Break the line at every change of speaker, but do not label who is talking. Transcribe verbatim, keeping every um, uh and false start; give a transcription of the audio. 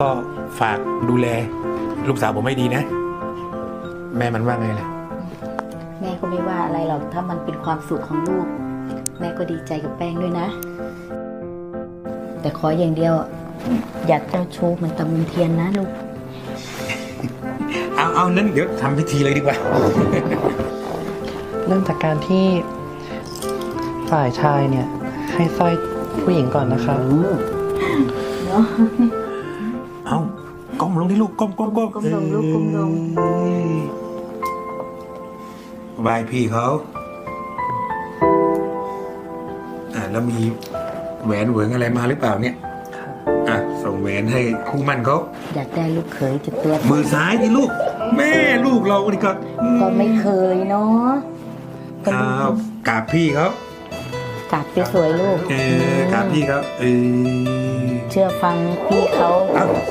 ก็ฝากดูแลลูกสาวผมให้ดีนะ แม่มันว่าไงล่ะ
แม่ก็ไม่ว่าอะไรหรอกถ้ามันเป็นความสุขของลูก แม่ก็ดีใจกับแป้งด้วยนะ แต่ขออย่างเดียวอยากเจ้าชู้เหมือนตะมุนเทียนนะลูก
เอาเอานั้นเดี๋ยวทำพิธีเลยดีกว่า
เริ่มจากการที่ฝ่ายชายเนี่ย ให้สร้อยผู้หญิงก่อนนะคะ
เอาก้มลงที่ลูกก้มก้มก้ม
ก้มลงลูกก้มลง
เอ้ยบายพี่เขาอ่าแล้วมีแหวนเหวิงอะไรมาหรือเปล่าเนี่ยอ่ะส่งแหวนให้คู่มั่นเขา
อยากได้ลูกเขยจะตัว
มือซ้ายที่ลูก แม่ลูกเรานี่ก็
ก็ไม่เคยเนาะก็
อ้า
ลู
ว
ก
กราบพี่เขา
กราบไปสวยลูก
เออกราบพี่เขาเออ
เชื่อฟังพี่เขา
เอ้า